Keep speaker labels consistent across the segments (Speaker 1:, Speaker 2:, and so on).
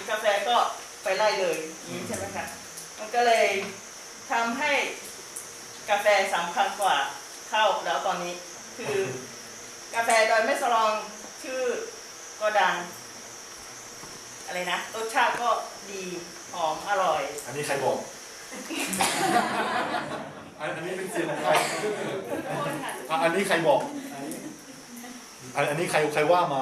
Speaker 1: กาแฟก็ไปไล่เลยนี้ใช่ไหมคะมันก็เลยทำให้กาแฟสำคัญกว่าข้าวแล้วตอนนี้คือกาแฟดอยแม่สลองชื่อก็ดังอะไรนะรสชาติก็ดีหอมอร่อย
Speaker 2: อันนี้ใครบอกอันนี้เป็นเสียงของใครอันนี้ใครบอกอันนี้ใครว่ามา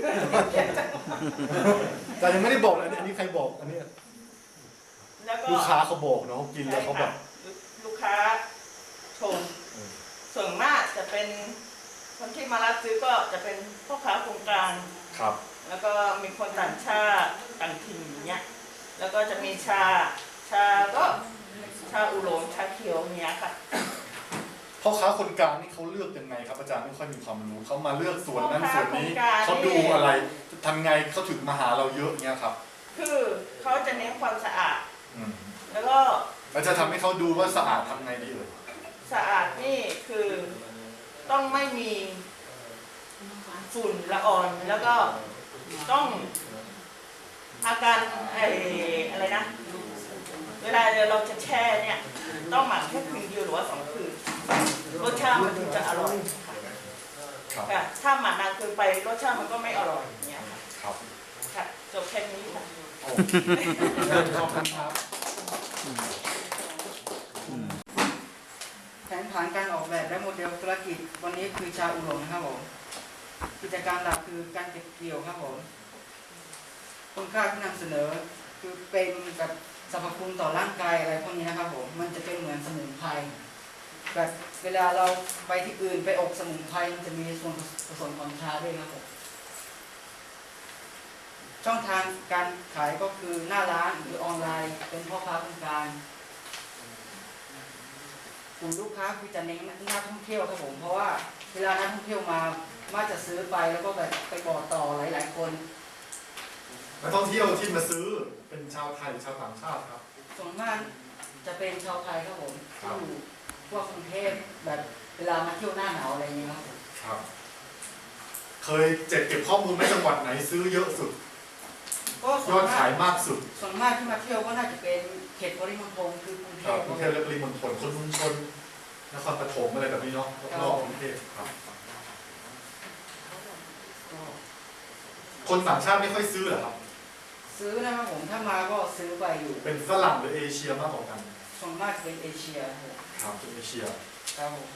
Speaker 2: แต่ยังไม่ได้บอกอันนี้ใครบอกอันนี้ลูกค้าเขาบอกเนาะกินแล้วเขาแบบ
Speaker 1: ลูกค้าชมส่วนมากจะเป็นคนที่มารับซื้อก็จะเป็นพ่อค้าโครงการ
Speaker 2: ครับ
Speaker 1: แล้วก็มีคนต่างชาติต่างถิ่นอย่างเงี้ยแล้วก็จะมีชาก็ชาอุหลงชาเขียวเนี้ยค่ะ
Speaker 2: พ่อค้าคนกลางนี่เขาเลือกยังไงครับอาจารย์ไม่ค่อยมีความรู้เขามาเลือกส่วนนั้นส่วนนี้เขาดูอะไรทำไงเขาถึงมาหาเราเยอะเงี้ยครับ
Speaker 1: คือเขาจะเน้นความสะอาดแล้วก็
Speaker 2: เราจะทำให้เขาดูว่าสะอาดทำไงดี
Speaker 1: สะอาดนี่คือต้องไม่มีฝุ่นละอองแล้วก็ต้องอาการอะไรนะเวลาเราจะแช่เนี่ยต้องหมักแค่คืนเดียวหรือว่า2 คืนรสชาติมันถึงจะอร่อยค่ะถ้าหมักนานเกินไปรสชาติมันก็ไม่อร่อยอย่างเงี้ยค่ะค่ะจบแค่นี้ค่ะ
Speaker 2: ขอบคุณครับ
Speaker 3: แผนผังการออกแบบและโมเดลธุรกิจวันนี้คือชาอุหลงครับผมกิจการหลักคือการเก็บเกี่ยวครับผมคุณค่าที่นำเสนอคือเป็นกับสรรพคุณต่อร่างกายอะไรพวกนี้นะครับผมมันจะเป็นเหมือนสมุนไพรแบบเวลาเราไปที่อื่นไปอบสมุนไพรมันจะมีส่วนผสมของชาด้วยครับผมช่องทางการขายก็คือหน้าร้านหรือออนไลน์เป็นพ่อค้าคนกลางกลุ่มลูกค้าคือจะเน้นนักท่องเที่ยวครับผมเพราะว่าเวลานักท่องเที่ยวมาจะซื้อไปแล้วก็แบบไปบอกต่อหลายๆคน
Speaker 2: นักท่องเที่ยวที่มาซื้อเป็นชาวไทยหรือชาวต่างชาติครับ
Speaker 3: ส่วนมากจะเป็นชาวไทยครับผมที่อยู่พวกกรุงเทพแบบเวลามาเที่ยวหน้าหนาวอะไรอย่างนี้ครับ
Speaker 2: ครับเคยเก็บข้อมูลในจังหวัดไหนซื้อเยอะสุดยอดขายมากสุด
Speaker 3: ส่วนมากที่มาเที่ยวก็น่าจะเป็นเขตปริมณฑลคือกรุงเทพ
Speaker 2: และปริมณฑลคนชุมชนนครปฐมอะไรแบบนี้เนาะรอบกรุงเทพครับคนต่างชาติไม่ค่อยซื้อเหรอครับ
Speaker 3: ซื้อนะครับผมถ้ามาก็ซื้อไปอยู่
Speaker 2: เป็นฝรั่งหรือเอเชียมากกว่ากัน
Speaker 3: ส่วนมากจะเป็นเอเชีย
Speaker 2: ครับเป็นเอเชีย
Speaker 3: ครับผม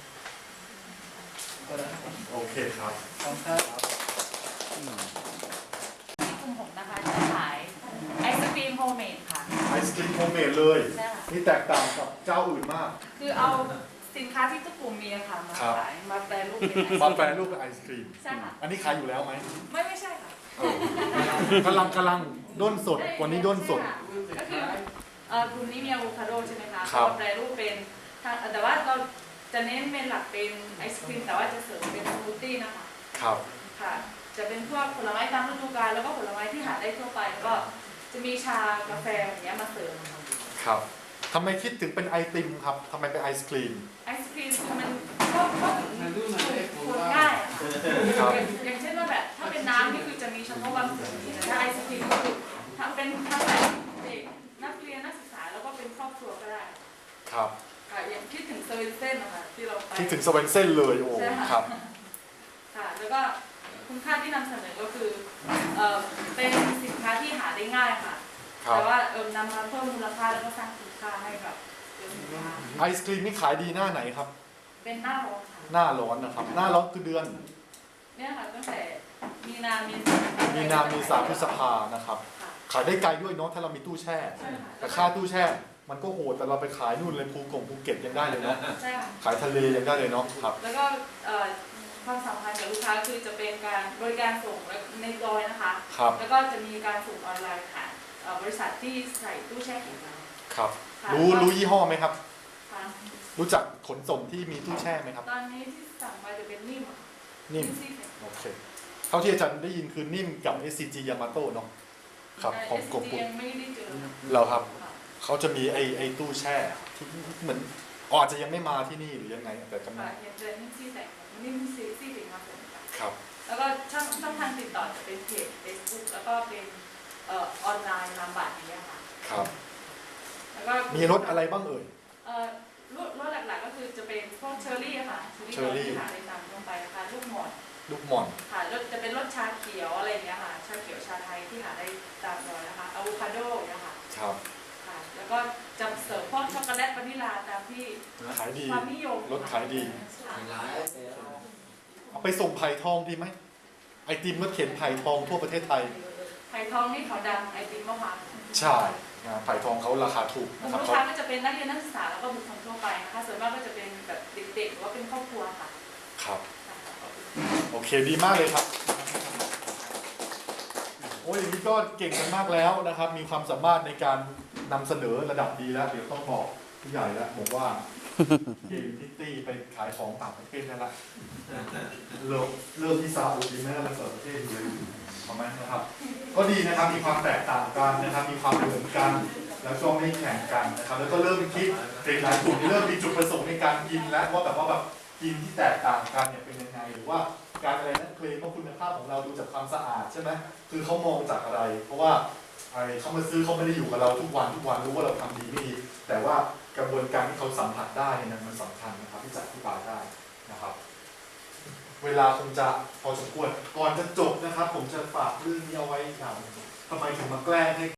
Speaker 2: โอเคครับ
Speaker 3: ขอบคุณครับ
Speaker 4: ที่กลุ่มผมนะคะจะขายไอศครีมโฮมเมดค่ะ
Speaker 2: ไอศครีมโฮมเมดเลยนี่แตกต่างกับเจ้าอื่นมาก
Speaker 4: คือเอาสินค้าที่ทุกกลุ่มมีค่ะมาขายมาแปรรูปเป็นไอศครีม
Speaker 2: มาแปรรูปเป็นไอศครีม
Speaker 4: ใช่ค่ะ
Speaker 2: อันนี้ขายอยู่แล้วไหม
Speaker 4: ไม่ใช่ค่ะ
Speaker 2: กำลังด้นสดวันนี้ด้นสด
Speaker 4: ก็คือกลุ่มนี้มีอะโวคาโดใช่ไหมคะเราแปรรูปเป็นแต่ว่าเราจะเน้นเป็นหลักเป็นไอศครีมแต่ว่าจะเสริมเป็นสมูทตี้นะคะ
Speaker 2: ครับ
Speaker 4: ค่ะจะเป็นพวกผลไม้ตามฤดูกาลแล้วก็ผลไม้ที่หาได้ทั่วไปก็จะมีชากาแฟอย่างเงี้ยมาเสริม
Speaker 2: ครับทำไมคิดถึงเป็นไอติมครับทำไมเป็นไอศครีม
Speaker 4: ไอศครีมมันก็คนง่ายอย่างเช่นว่าแบบถ้าเป็นน้ำนี่คือจะมีเฉพาะบางส่วนแต่ถ้าไอศครีมก็คือทำเป็นทั้งแบบเด็กนักเรียนนักศึกษาแล้วก็เป็นครอบครัวก็ได้
Speaker 2: ครับ
Speaker 4: ค่ะอย่างคิดถึงเซเว่นเซ่นนะคะที่เราไป
Speaker 2: คิดถึงสเวนเซ่นเลยโอ้ครับ
Speaker 4: ค่ะแล้วก็คุณค่าที่นำเสนอก็คือเป็นสินค้าที่หาได้ง่ายค่ะแต่ว่านำมาเพิ่มมูลค่าแล้วก็สร้างคุณค่าให้กับสินค้า
Speaker 2: ไอศครีมนี่ขายดีหน้าไหนครับ
Speaker 4: เป็นหน้าร้อนค่ะ
Speaker 2: หน้าร้อนนะครับหน้าร้อนคือเดือน
Speaker 4: เนี่ยค่ะตั้งแต่มีนาเม
Speaker 2: ษาพฤษภานะครับขายได้ไกลด้วยเนาะถ้าเรามีตู้แช่แต่ค่าตู้แช่มันก็โหดแต่เราไปขายนู่นเลยภูเก็ตยังได้เลยเนาะขายทะเลยังได้เลยเนาะครับ
Speaker 4: แล้วก็ความสัมพันธ์กับลูกค้าคือจะเป็นการบริการส่งในดอยนะคะแล้วก็จะมีการส่งออนไลน์ผ่านบริษัทที่ใส่ตู้แช่แข็ง
Speaker 2: ครับรู้ยี่ห้อไหมครับรู้จักขนส่งที่มีตู้แช่ไหมครับ
Speaker 4: ตอนนี้ที่สั่งมาจะเป็นนิ่ม
Speaker 2: โอเคเท่าที่อาจารย์ได้ยินคือนิ่มกับ SCG Yamato เนาะครับของกบปุ่นเราครับเขาจะมีไอตู้แช่ที่เหมือนอาจจะยังไม่มาที่นี่หรือยังไงแต่กำลัง
Speaker 4: อย่างเดินนิ่มซี่แต่นิ่มซี่ถึงมาผม
Speaker 2: ครับ
Speaker 4: แล้วก็ช่องทางติดต่อจะเป็นเพจ Facebook แล้วก็เป็นออนไลน์นามบัตรนี้ค่ะ
Speaker 2: ครับ
Speaker 4: แล้วก็
Speaker 2: มีรถอะไรบ้างเอ่ย
Speaker 4: รถหลักๆก็คือจะเป็นพวกเชอร์รี่ค่ะเชอร์รี่ที่หาในตามลงไปนะคะลูกหม่อน
Speaker 2: ลูกหม่อน
Speaker 4: ค่ะรถจะเป็นรสชาเขียวอะไรอย่างเงี้ยค่ะชาเขียวชาไทยที่หาได้ตามดอยนะคะอะโวคาโดเนี่ยค่ะ
Speaker 2: ครับ
Speaker 4: ค่ะ แล้วก็จะเสิร์ฟพวกช็อกโกแลตวานิลาตามที่
Speaker 2: ขายดี
Speaker 4: ความนิยม
Speaker 2: รถขายดี
Speaker 4: ค่ะ
Speaker 2: เอาไปส่งไผ่ทองดีไหมไอติมรถเข็นไผ่ทองทั่วประเทศไทย
Speaker 4: ไผ่ทองนี่เขาดังไอติมมะพร้าว
Speaker 2: ใช่ไผ่ทองเขาราคาถูก
Speaker 4: กลุ่
Speaker 2: นะ
Speaker 4: ม
Speaker 2: ครับ
Speaker 4: ลูก
Speaker 2: เขา
Speaker 4: ค้าก็จะเป็นนักเรียนนักศึกษาแล้วก็บุคคลทั่วไปนะคะส่วนมากก็จะเป็นแบบเด็กๆหรือว่าเป็นครอบครัวค่ะ
Speaker 2: ครับ โอเคดีมากเลยครับ โอ้ยอย่างนี้ก็เก่งกันมากแล้วนะครับ มีความสามารถในการนำเสนอระดับดีแล้ว เดี๋ยวต้องบอกผู้ใหญ่แล้วบอกว่า เก่งพิตตี้ไปขายของต่างประเทศนั่นแหละเริ่มที่ซาอุดีไหมแล้วเปิดประเทศเลยประมาณนะครับ ก็ดีนะครับมีความแตกต่างกันนะครับ มีความเหมือนกัน แล้วก็ไม่แข่งกันนะครับ แล้วก็เริ่มคิดเด็กหลายกลุ่มเริ่มมีจุดประสงค์ในการกินแล้วว่าแบบว่าแบบกินที่แตกต่างกันเนี่ยเป็นยังไงหรือว่าการอะไรนั้นเคลมว่าคุณภาพของเราดูจากความสะอาดใช่ไหมคือเขามองจากอะไร เพราะว่าเขามาซื้อเขาไม่ได้อยู่กับเราทุกวันรู้ว่าเราทำดีไม่ดีแต่ว่ากระบวนการที่เขาสัมผัสได้เนี่ยมันสำคัญนะครับที่จะอธิบายได้นะครับ เวลาคงจะพอสมควรก่อนจะจบนะครับ ผมจะฝากเรื่องนี้เอาไว้อย่างทำไมถึงมาแกล้งให้